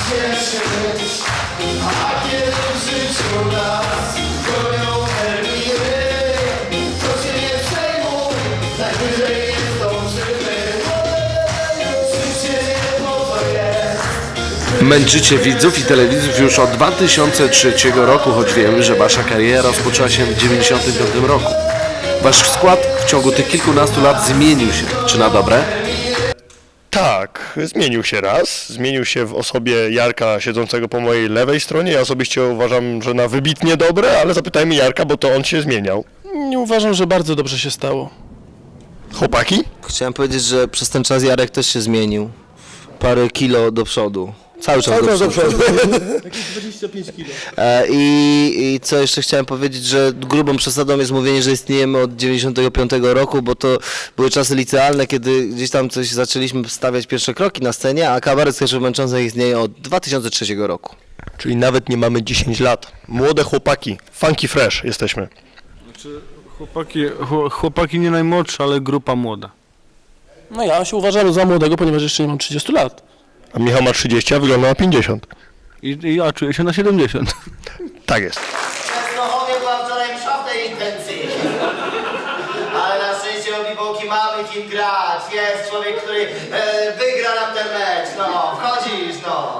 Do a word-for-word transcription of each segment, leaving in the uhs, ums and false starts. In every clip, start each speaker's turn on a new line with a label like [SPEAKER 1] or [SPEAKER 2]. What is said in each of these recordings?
[SPEAKER 1] cieszyć, a kiedy w życiu nas gonią terminy, to się nie przejmuj, najwyżej nie zdążymy. Życie nie po to jest.
[SPEAKER 2] Męczycie widzów i telewizów już od dwa tysiące trzeciego roku, choć wiemy, że wasza kariera rozpoczęła się w dziewięćdziesiątym piątym roku. Wasz skład w ciągu tych kilkunastu lat zmienił się. Czy na dobre?
[SPEAKER 3] Tak, zmienił się raz. Zmienił się w osobie Jarka siedzącego po mojej lewej stronie. Ja osobiście uważam, że na wybitnie dobre, ale zapytajmy Jarka, bo to on się zmieniał.
[SPEAKER 4] Nie uważam, że bardzo dobrze się stało.
[SPEAKER 3] Chłopaki?
[SPEAKER 5] Chciałem powiedzieć, że przez ten czas Jarek też się zmienił. Parę kilo do przodu. Cały czas do przodu.
[SPEAKER 4] dwadzieścia pięć kilo.
[SPEAKER 5] E, i, I co jeszcze chciałem powiedzieć, że grubą przesadą jest mówienie, że istniejemy od dziewięćdziesiątego piątego roku, bo to były czasy licealne, kiedy gdzieś tam coś zaczęliśmy stawiać pierwsze kroki na scenie, a kabaret Sketchów Męczących istnieje od dwa tysiące trzeciego roku.
[SPEAKER 3] Czyli nawet nie mamy dziesięć lat. Młode chłopaki, funky fresh jesteśmy.
[SPEAKER 6] Znaczy, chłopaki, chło- chłopaki nie najmłodsze, ale grupa młoda.
[SPEAKER 4] No ja się uważam za młodego, ponieważ jeszcze nie mam trzydziestu lat.
[SPEAKER 3] A Michał ma trzydzieści, a wygląda na pięćdziesiąt.
[SPEAKER 6] I, i ja czuję się na siedemdziesiąt.
[SPEAKER 3] Tak jest.
[SPEAKER 1] W Częstochowie była wczoraj msza w tej intencji. Ale na szczęście obiboki mamy kim grać. Jest człowiek, który e, wygra nam ten mecz. No, wchodzisz, no.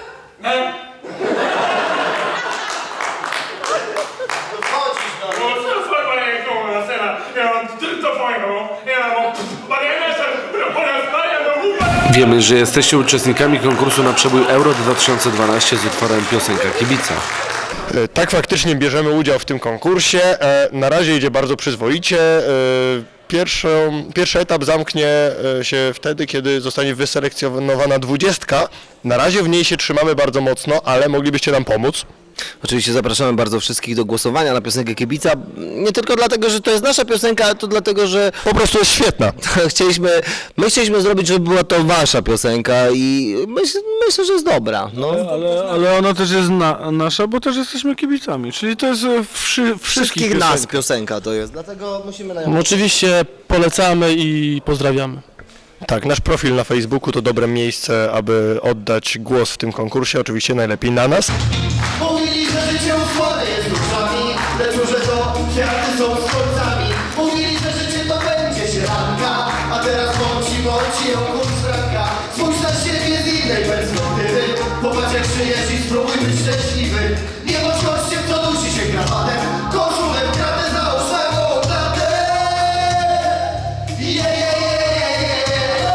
[SPEAKER 1] No wchodzisz, no.
[SPEAKER 2] Wiemy, że jesteście uczestnikami konkursu na przebój Euro dwa tysiące dwanaście z utworem Piosenka Kibica.
[SPEAKER 3] E, Tak, faktycznie bierzemy udział w tym konkursie. E, Na razie idzie bardzo przyzwoicie. E, Pierwszą, pierwszy etap zamknie e, się wtedy, kiedy zostanie wyselekcjonowana dwudziestka. Na razie w niej się trzymamy bardzo mocno, ale moglibyście nam pomóc.
[SPEAKER 5] Oczywiście zapraszamy bardzo wszystkich do głosowania na piosenkę Kibica. Nie tylko dlatego, że to jest nasza piosenka, ale to dlatego, że
[SPEAKER 3] Po prostu jest świetna.
[SPEAKER 5] chcieliśmy, my chcieliśmy zrobić, żeby była to wasza piosenka i myśl, myślę, że jest dobra. No.
[SPEAKER 6] Ale, ale ona też jest na, nasza, bo też jesteśmy kibicami. Czyli to jest e, wszy, wszystkich,
[SPEAKER 5] Wszystkich nas
[SPEAKER 6] piosenek.
[SPEAKER 5] piosenka to jest, dlatego musimy na nią...
[SPEAKER 4] No, oczywiście polecamy i pozdrawiamy.
[SPEAKER 3] Tak, nasz profil na Facebooku to dobre miejsce, aby oddać głos w tym konkursie. Oczywiście najlepiej na nas.
[SPEAKER 1] Mówili, że życie usłane jest duszami, lecz że to kwiaty są z końcami. Mówili, że życie to będzie sielanka, a teraz bądź bądź ją kurczranka. Spójrz na siebie z innej perspektywy, popatrz jak żyjesz i spróbuj być szczęśliwy. Nie bądź gościem, co dusi się krawatem, koszulę w kratę załóż na gołą klatę. Je, je, je, je, je, je.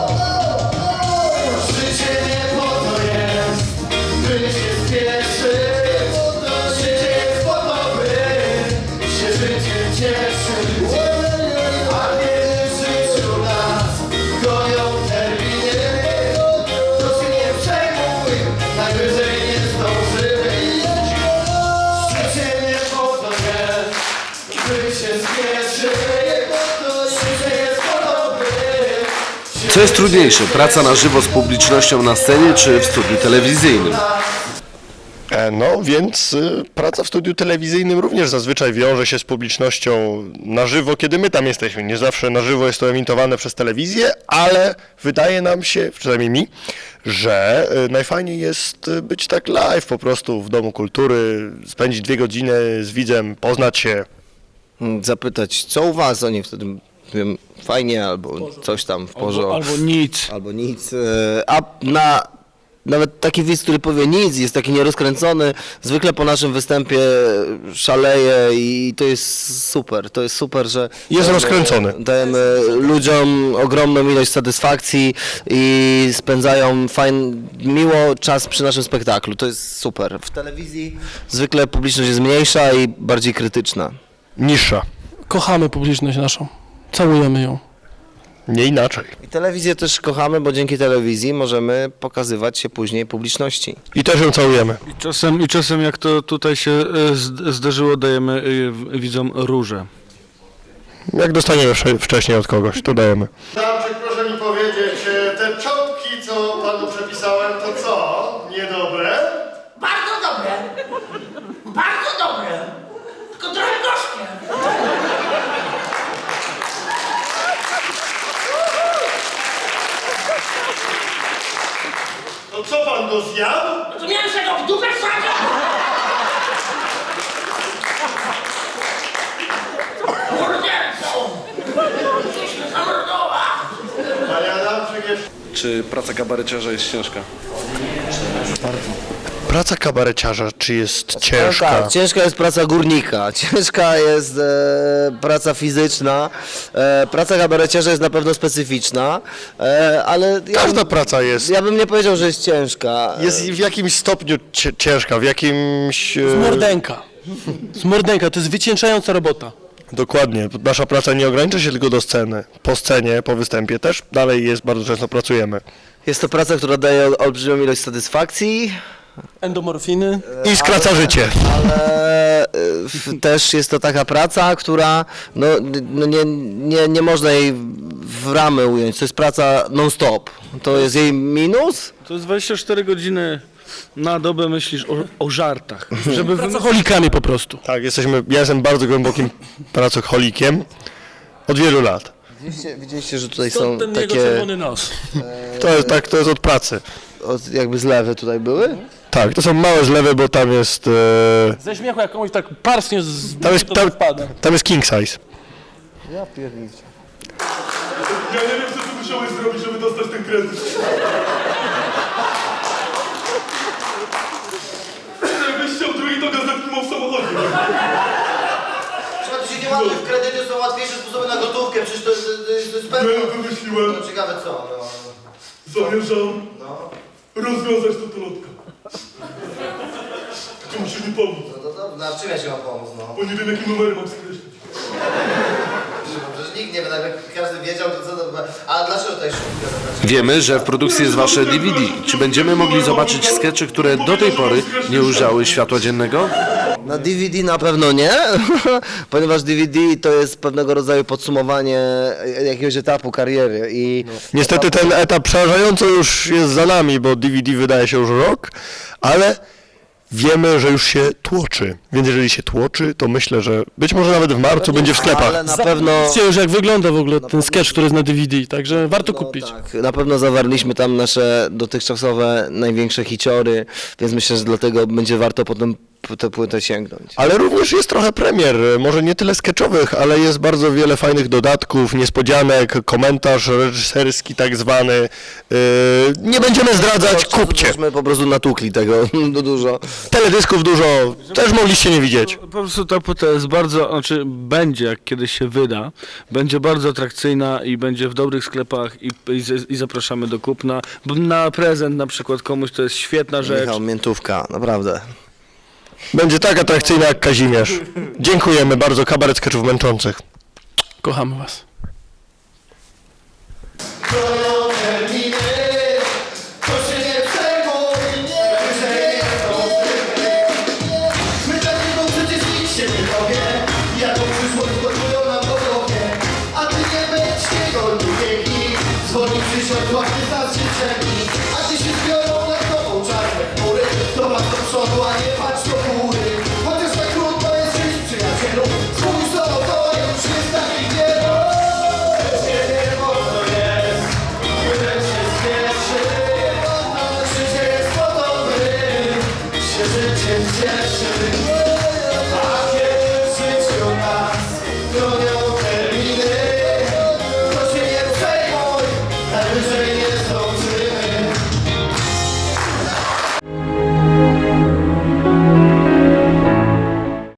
[SPEAKER 1] Życie nie po to jest, by się spieszyć. Życie jest po to, by się życiem cieszyć. A kiedy w życiu nas gonią terminy, to się nie przejmuj, najwyżej nie zdążymy. Życie nie po to jest, by się spieszyć. Życie jest po to, by się
[SPEAKER 2] Co jest trudniejsze, praca na żywo z publicznością na scenie czy w studiu telewizyjnym?
[SPEAKER 3] E, No więc y, praca w studiu telewizyjnym również zazwyczaj wiąże się z publicznością na żywo, kiedy my tam jesteśmy. Nie zawsze na żywo jest to emitowane przez telewizję, ale wydaje nam się, przynajmniej mi, że y, najfajniej jest y, być tak live po prostu w Domu Kultury, spędzić dwie godziny z widzem, poznać się.
[SPEAKER 5] Zapytać, co u was, oni wtedy wiem, fajnie, albo coś tam w porządku.
[SPEAKER 6] Albo, albo nic.
[SPEAKER 5] Albo nic. e, A na nawet taki widz, który powie nic, jest taki nierozkręcony, zwykle po naszym występie szaleje i to jest super. To jest super, że
[SPEAKER 3] Jest
[SPEAKER 5] dajemy-
[SPEAKER 3] rozkręcony.
[SPEAKER 5] Dajemy ludziom ogromną ilość satysfakcji i spędzają fajn, miło czas przy naszym spektaklu. To jest super. W telewizji zwykle publiczność jest mniejsza i bardziej krytyczna.
[SPEAKER 3] Niższa,
[SPEAKER 4] Kochamy publiczność naszą. Całujemy ją.
[SPEAKER 3] nie inaczej.
[SPEAKER 5] I telewizję też kochamy, bo dzięki telewizji możemy pokazywać się później publiczności.
[SPEAKER 3] I też ją całujemy.
[SPEAKER 6] I czasem, I czasem jak to tutaj się e, zd- zdarzyło, dajemy e, w- widzom róże.
[SPEAKER 3] Jak dostaniemy wcze- wcześniej od kogoś, to dajemy.
[SPEAKER 1] Damczyk, proszę mi powiedzieć, e, te czątki, co panu przepisałem, to co? Niedobre?
[SPEAKER 7] Bardzo dobre. Bardzo dobre. Tylko trochę gorzkie.
[SPEAKER 3] To co pan go zjadł?
[SPEAKER 7] No to miałem się go w dupę wsadzić! Mordercą! Gdzieś mnie zamordował!
[SPEAKER 3] Panie Adamczyk jest...
[SPEAKER 2] Czy praca kabareciarza jest ciężka?
[SPEAKER 3] Praca kabareciarza, czy jest
[SPEAKER 5] No
[SPEAKER 3] ciężka?
[SPEAKER 5] tak, ciężka jest praca górnika, ciężka jest e, praca fizyczna, e, praca kabareciarza jest na pewno specyficzna, e, ale ja,
[SPEAKER 3] Każda praca jest,
[SPEAKER 5] ja bym nie powiedział, że jest ciężka.
[SPEAKER 3] jest w jakimś stopniu cie- ciężka, w jakimś... e,
[SPEAKER 4] Z mordenka. Z mordenka, to jest wycieńczająca robota.
[SPEAKER 3] Dokładnie. Nasza praca nie ogranicza się tylko do sceny. Po scenie, po występie też dalej jest, bardzo często pracujemy.
[SPEAKER 5] Jest to praca, która daje ol- olbrzymią ilość satysfakcji,
[SPEAKER 4] Endomorfiny.
[SPEAKER 3] I skraca życie.
[SPEAKER 5] ale e, w, też jest to taka praca, która no, no nie, nie, nie można jej w ramy ująć. To jest praca non-stop. To jest jej minus.
[SPEAKER 6] To jest dwadzieścia cztery godziny na dobę myślisz o, o żartach. Żeby wymyślić...
[SPEAKER 4] Pracocholikami po prostu.
[SPEAKER 3] Tak, jesteśmy, ja jestem bardzo głębokim pracocholikiem od wielu lat.
[SPEAKER 5] Widzieliście, widzieliście że tutaj
[SPEAKER 4] Stąd
[SPEAKER 5] są
[SPEAKER 4] ten jego
[SPEAKER 5] takie
[SPEAKER 4] czerwony nos.
[SPEAKER 3] To jest, tak, to jest od pracy.
[SPEAKER 5] od, jakby zlewy tutaj były.
[SPEAKER 3] Tak, to są małe zlewy, bo tam jest, e,
[SPEAKER 4] Ze śmiechu jak komuś tak parsknie z...
[SPEAKER 3] tam jest,
[SPEAKER 4] to
[SPEAKER 3] tam,
[SPEAKER 4] wpada.
[SPEAKER 3] tam jest king size.
[SPEAKER 5] Ja pierniczę.
[SPEAKER 1] Ja nie wiem, co ty musiałeś zrobić, żeby dostać ten kredyt. Jakbyś chciał drugi, to gazetki mam w samochodzie.
[SPEAKER 5] Trzeba tu się nie ładuje, w kredyty są łatwiejsze sposoby na gotówkę, przecież to, to, to jest pewne.
[SPEAKER 1] Ja wymyśliłem,
[SPEAKER 5] No ciekawe co, no.
[SPEAKER 1] zamierzam
[SPEAKER 5] No,
[SPEAKER 1] rozwiązać to tolotka. Tylko musisz mi pomóc,
[SPEAKER 5] no to dobrze, no, a w czym ja ci mam pomóc, no?
[SPEAKER 1] bo nie wiem, jakie numery mam skreślić.
[SPEAKER 5] Przecież nikt nie wie, tak jak każdy wiedział, to co to... A dlaczego tutaj szumka zapraszam?
[SPEAKER 2] Wiemy, że w produkcji jest wasze D V D. Czy będziemy mogli zobaczyć skecze, które do tej pory nie ujrzały światła dziennego?
[SPEAKER 5] Na D V D na pewno nie, ponieważ D V D to jest pewnego rodzaju podsumowanie jakiegoś etapu kariery i...
[SPEAKER 3] Niestety ten etap przerażająco już jest za nami, bo D V D wydaje się już rok, ale wiemy, że już się tłoczy. Więc jeżeli się tłoczy, to myślę, że być może nawet w marcu będzie w sklepach.
[SPEAKER 5] Ale na pewno...
[SPEAKER 4] Zobaczcie już jak wygląda w ogóle ten sketch, który jest na D V D, także warto kupić.
[SPEAKER 5] Tak, na pewno zawarliśmy tam nasze dotychczasowe największe hiciory, więc myślę, że dlatego będzie warto potem po tę płytę sięgnąć.
[SPEAKER 3] Ale również jest trochę premier, może nie tyle sketchowych, ale jest bardzo wiele fajnych dodatków, niespodzianek, komentarz reżyserski tak zwany. Yy, nie będziemy zdradzać, kupcie.
[SPEAKER 5] Myśmy po prostu natukli tego do dużo.
[SPEAKER 3] Teledysków dużo, też mogliście nie widzieć.
[SPEAKER 6] Po prostu ta płyta jest bardzo, znaczy będzie, jak kiedyś się wyda, będzie bardzo atrakcyjna i będzie w dobrych sklepach i, i, z- i zapraszamy do kupna. Bo na prezent na przykład komuś to jest świetna rzecz.
[SPEAKER 5] Michał, miętówka, naprawdę.
[SPEAKER 3] Będzie tak atrakcyjna jak Kazimierz. Dziękujemy bardzo, kabaret sketchów męczących.
[SPEAKER 4] Kochamy was.
[SPEAKER 1] Gonią terminy, to się nie przejmuj, nie przejmuj. My takiego przecież nikt się nie dowie, jaką przyszłość gotują nam po głowie. A ty nie będź niego lubiegi, dzwoni przysiąd, łapy za życzeni. A ty się zbiorą nad tobą czarne chmury, to masz do przodu, a nie patrz do